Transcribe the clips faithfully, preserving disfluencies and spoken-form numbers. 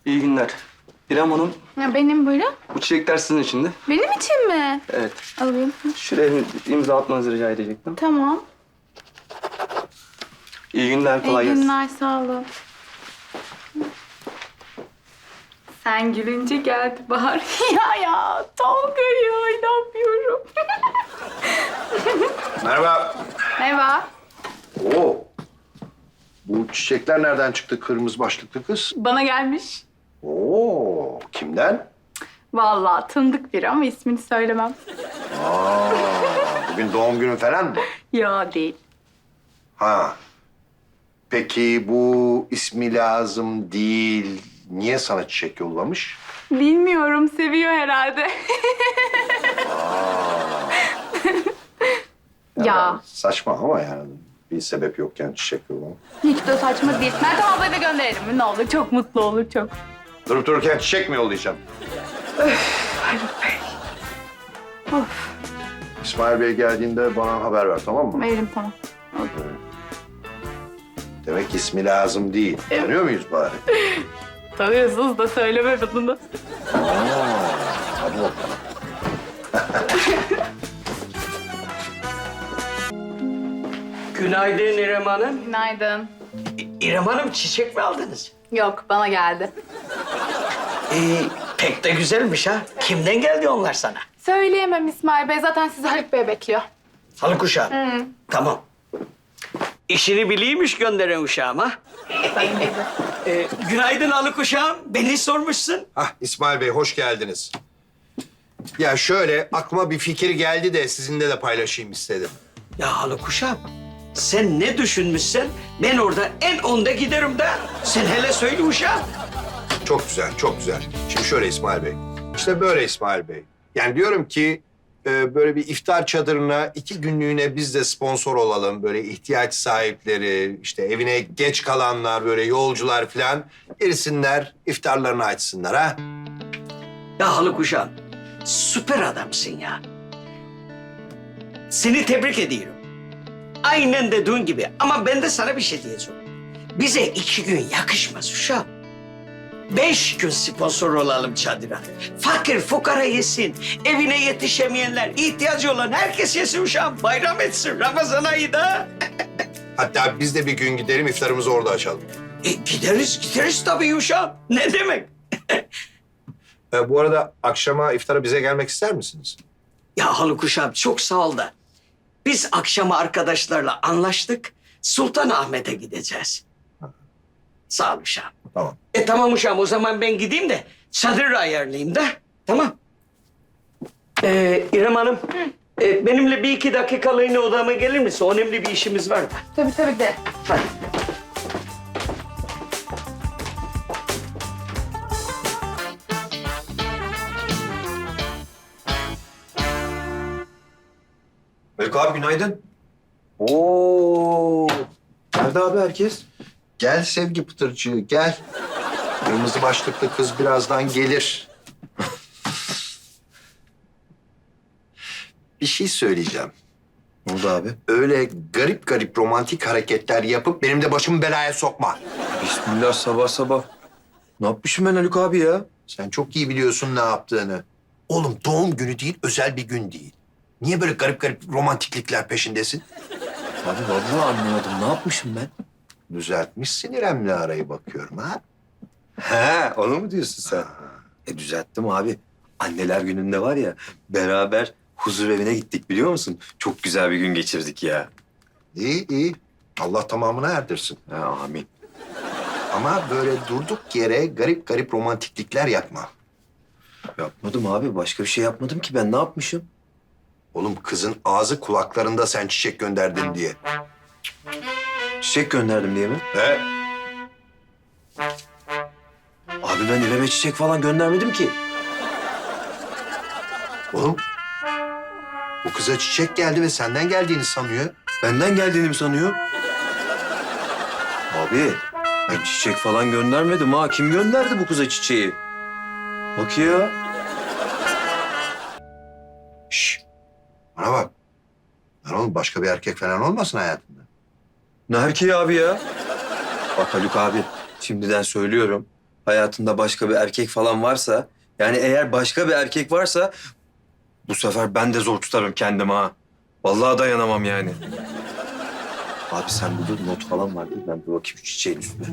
İyi günler. İrem Hanım, Ya benim buyurun. bu çiçekler sizin için de. Benim için mi? Evet. Alayım. Şuraya bir imza atmanızı rica edecektim. Tamam. İyi günler, kolay İyi gelsin. günler, sağ olun. Sen gülünce geldi bahar. ya ya, Tolga'yı oynamıyorum. Merhaba. Merhaba. Oo. Bu çiçekler nereden çıktı kırmızı başlıklı kız? Bana gelmiş. Oo, kimden? Vallahi tanıdık biri ama ismini söylemem. Aa, bugün doğum günün falan mı? Ya değil. Ha. Peki bu ismi lazım değil. Niye sana çiçek yollamış? Bilmiyorum, seviyor herhalde. ya. Saçma ama yani bir sebep yokken çiçek yollamak. Hiç de saçma değil. Meltem ablayı da gönderelim mi? Ne olur, çok mutlu olur, çok. Durup dururken çiçek mi yollayacağım? Haluk Bey. Of, İsmail Bey geldiğinde bana haber ver, tamam mı? veririm tamam. Demek ismi lazım değil. Tanıyor muyuz bari? Tanıyorsunuz da söyleme bunu. Aa, hadi bakalım. Günaydın İrem Hanım. Günaydın. İ- İrem Hanım çiçek mi aldınız? Yok, bana geldi. Ee, pek de güzelmiş ha. Kimden geldi onlar sana? Söyleyemem İsmail Bey. Zaten sizi Haluk Bey bekliyor. Halı uşağım. Tamam. İşini biliymiş gönderen uşağım ha. Ee, günaydın Halı uşağım. Beni sormuşsun. Hah, İsmail Bey hoş geldiniz. Ya şöyle aklıma bir fikir geldi de sizinle de paylaşayım istedim. Ya Halı uşağım, sen ne düşünmüşsen ben orada en onda giderim de. Sen hele söyle uşağım. Çok güzel, çok güzel. Şimdi şöyle İsmail Bey. İşte böyle İsmail Bey. Yani diyorum ki e, böyle bir iftar çadırına iki günlüğüne biz de sponsor olalım. Böyle ihtiyaç sahipleri, işte evine geç kalanlar, böyle yolcular falan girsinler, iftarlarını açsınlar ha. Ya Halı uşağım, süper adamsın ya. Seni tebrik ediyorum. Aynen dediğin gibi. Ama ben de sana bir şey diyeceğim. Bize iki gün yakışmaz uşağım. Beş gün sponsor olalım çadıra. Fakir fukara yesin. Evine yetişemeyenler, ihtiyacı olan herkes yesin uşağım. Bayram etsin Ramazan ayı da. Hatta biz de bir gün gidelim iftarımızı orada açalım. E, gideriz, gideriz tabii uşağım. Ne demek? E, bu arada akşama iftara bize gelmek ister misiniz? Ya Haluk uşağım çok sağ ol da. Biz akşama arkadaşlarla anlaştık. Sultanahmet'e gideceğiz. Sağ ol uşağım. Tamam. E tamam uşağım, o zaman ben gideyim de çadır ayarlayayım da. Tamam. Ee, İrem Hanım, e, benimle bir iki dakikalığına odama gelir misin? Önemli bir işimiz var da. Tabii tabii de. Hadi. Melek abi günaydın. Oo. Nerede abi herkes? Gel sevgi pıtırcığı, gel. Kırmızı başlıklı kız birazdan gelir. Bir şey söyleyeceğim. Ne oldu abi? Öyle garip garip romantik hareketler yapıp benim de başımı belaya sokma. Bismillah sabah sabah. Ne yapmışım ben Haluk abi ya? Sen çok iyi biliyorsun ne yaptığını. Oğlum doğum günü değil, özel bir gün değil. Niye böyle garip garip romantiklikler peşindesin? Abi vallahi anlamadım. Ne yapmışım ben? Düzeltmişsin İrem'le arayı bakıyorum ha. He, onu mu diyorsun sen? E düzelttim abi. Anneler gününde var ya, beraber huzur evine gittik biliyor musun? Çok güzel bir gün geçirdik ya. İyi iyi. Allah tamamına erdirsin. Ha, amin. Ama böyle durduk yere garip garip romantiklikler yapma. Yapmadım abi. Başka bir şey yapmadım ki ben. Ne yapmışım? Oğlum kızın ağzı kulaklarında sen çiçek gönderdin diye. Çiçek gönderdim diye mi? He? Abi ben İrem'e çiçek falan göndermedim ki. Oğlum bu kıza çiçek geldi ve senden geldiğini sanıyor. Benden geldiğini mi sanıyor? Abi ben çiçek falan göndermedim ha. Kim gönderdi bu kıza çiçeği? Bak ya. Şş. Bana bak. Lan oğlum başka bir erkek falan olmasın hayatında. Ne erkeği abi ya? Bak Haluk abi, şimdiden söylüyorum. hayatında başka bir erkek falan varsa... Yani eğer başka bir erkek varsa... Bu sefer ben de zor tutarım kendimi ha. Vallahi dayanamam yani. Abi sen burada not falan var değil mi? Ben bir bakayım şu çiçeğin üstüne.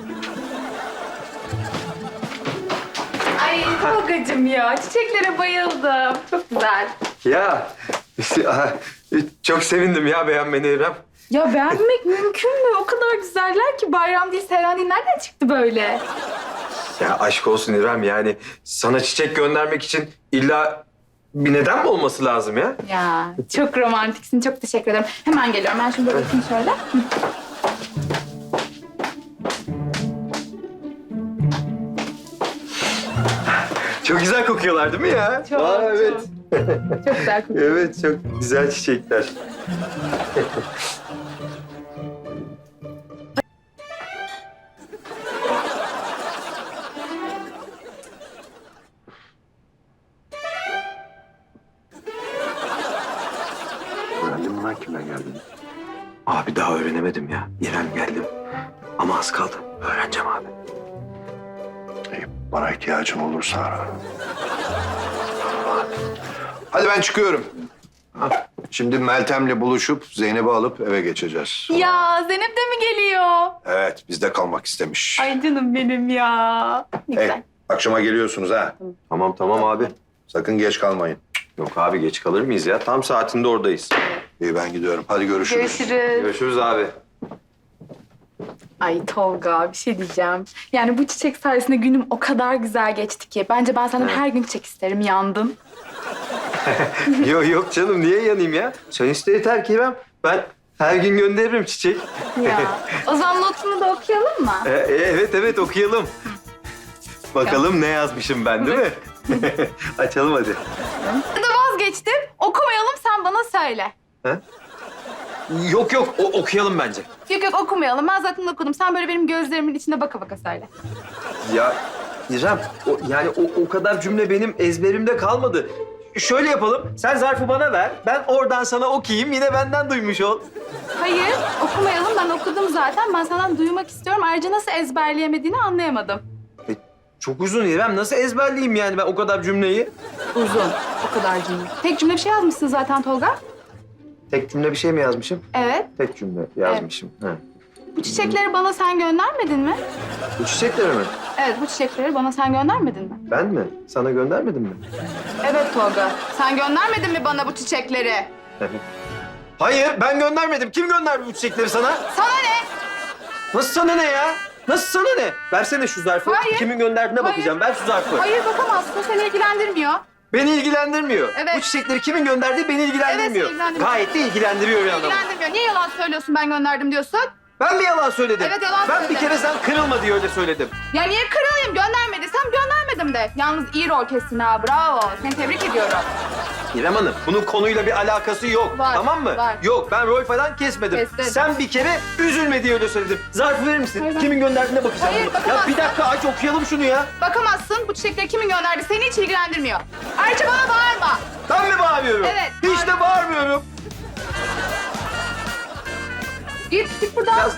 Ay Tolga'cığım ya çiçeklere bayıldım. Çok güzel. Ya çok sevindim ya beğenmeni İrem. Ya beğenmek mümkün mü? O kadar güzeller ki bayram değil, Seyran değil. Nereden çıktı böyle? Ya aşk olsun İrem yani sana çiçek göndermek için illa bir neden mi olması lazım ya? Ya çok romantiksin. Çok teşekkür ederim. Hemen geliyorum. Ben şunu bırakayım şöyle. Hı. Çok güzel kokuyorlar değil mi ya? Çok, Aa, evet. çok. Çok güzel kokuyor. Evet çok güzel çiçekler. Öğrendin mi lan kimden geldiğini? Abi daha öğrenemedim ya. İrem geldim. Ama az kaldı. Öğreneceğim abi. İyi, bana ihtiyacım olursa ara. Hadi ben çıkıyorum. Ha, şimdi Meltem'le buluşup Zeynep'i alıp eve geçeceğiz. Ya Zeynep de mi geliyor? Evet, bizde kalmak istemiş. Ay canım benim ya. Ne Hey, güzel. akşama geliyorsunuz ha. Tamam tamam abi. Sakın geç kalmayın. Yok abi geç kalır mıyız ya? Tam saatinde oradayız. İyi ben gidiyorum. Hadi görüşürüz. Görüşürüz. Görüşürüz abi. Ay Tolga bir şey diyeceğim. Yani bu çiçek sayesinde günüm o kadar güzel geçti ki. Bence ben senden her gün çiçek isterim. Yandım. yok yok canım niye yanayım ya? Sen iste yeter ki İrem. Ben her gün gönderirim çiçek. Ya. O zaman notunu da okuyalım mı? E, e, evet evet okuyalım. Bakalım ne yazmışım ben değil mi? Açalım hadi. Ya da vazgeçtim. Okumayalım sen bana söyle. Ha? Yok yok o, okuyalım bence. Yok yok okumayalım. Ben zaten okudum. Sen böyle benim gözlerimin içine baka baka söyle. Ya İrem o, yani o, o kadar cümle benim ezberimde kalmadı. Şöyle yapalım. Sen zarfı bana ver. Ben oradan sana okuyayım. Yine benden duymuş ol. Hayır okumayalım. Ben okudum zaten. Ben senden duymak istiyorum. Ayrıca nasıl ezberleyemediğini anlayamadım. E, çok uzun İrem. Nasıl ezberleyeyim yani ben o kadar cümleyi? Uzun. O kadar cümle. Tek cümle bir şey yazmışsın zaten Tolga. Tek cümle bir şey mi yazmışım? Evet. Tek cümle yazmışım. Ha. Bu çiçekleri bana sen göndermedin mi? Bu çiçekleri mi? Evet bu çiçekleri bana sen göndermedin mi? Ben mi? Sana göndermedim mi? Evet Tolga. Sen göndermedin mi bana bu çiçekleri? Hayır ben göndermedim. Kim gönderdi bu çiçekleri sana? Sana ne? Nasıl sana ne ya? Nasıl sana ne? Versene şu zarfı. Hayır. Kimin gönderdiğine Hayır. bakacağım. Ver şu zarfı. Hayır bakamazsın. Seni ilgilendirmiyor. Beni ilgilendirmiyor. Evet. Bu çiçekleri kimin gönderdiği beni ilgilendirmiyor. Evet, ilgilendirmiyor. Gayet de ilgilendiriyor bir yandan. İlgilendirmiyor. Niye yalan söylüyorsun ben gönderdim diyorsun? Ben mi yalan söyledim? Evet, yalan Ben söyledin. bir kere sen kırılma diye öyle söyledim. Ya niye kırılayım? Göndermediysem göndermedim de. Yalnız iyi rol kestin ha. Bravo. Seni tebrik ediyorum. İrem Hanım, bunun konuyla bir alakası yok. Var, Tamam mı? var. Yok, ben rol falan kesmedim. Kestin. Sen bir kere üzülme diye öyle söyledim. Zarfı verir misin? Hayır, ben- Kimin gönderdiğine bakacağım. Hayır, bunu. Ya bakamazsın. bir dakika aç okuyalım şunu ya. Bakamazsın. Bu çiçekleri kimin gönderdi? Seni hiç ilgilendirmiyor. Ayrıca bana bağırma. Ben mi bağırıyorum? Evet, Hiç de bağırmıyorum. Git, git buradan. Biraz...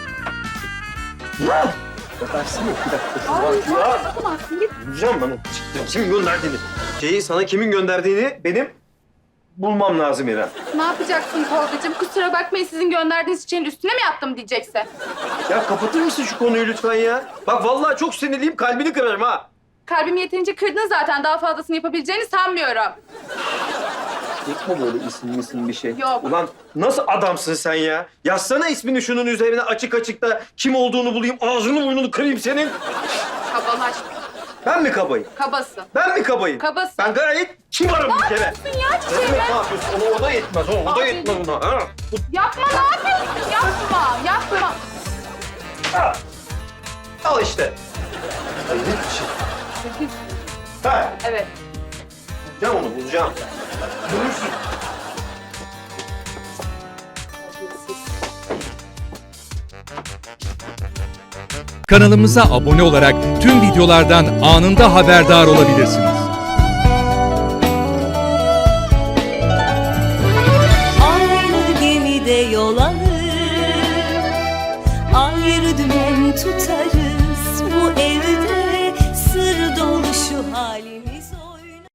Ya. Bakarsın mı? Bir dakika. Ay, Bak ya. bakamazsın. Git. Bulacağım bana. Kimin gönderdiğini. Şeyi sana kimin gönderdiğini benim bulmam lazım İrem. Ne yapacaksın Tolga'cığım? Kusura bakmayın sizin gönderdiğiniz çiçeğin üstüne mi yattım diyeceksin. Ya kapatır mısın şu konuyu lütfen ya? Bak vallahi çok sinirliyim, kalbini kırarım ha. Kalbimi yeterince kırdın zaten. Daha fazlasını yapabileceğini sanmıyorum. Yapma böyle isim isim bir şey. Yok. Ulan nasıl adamsın sen ya? Yazsana ismini şunun üzerine açık açık da kim olduğunu bulayım, ağzını burnunu kırayım senin. Kabalaş. Ben mi kabayım? Kabasın. Ben mi kabayım? Kabasın. Ben gayet kibarım bir kere. Yapıyorsun ya Ne çiçeğime. demek ne yapıyorsun? Ona o da yetmez, o, o da Abi. yetmez ona. Ha? Bu- Yapma ne yapıyorsun? Yapma. Yapma. ha. Al işte. Hayret bir şey. Ha, Evet. bulacağım onu, bulacağım. Bulursun. Kanalımıza abone olarak tüm videolardan anında haberdar olabilirsiniz.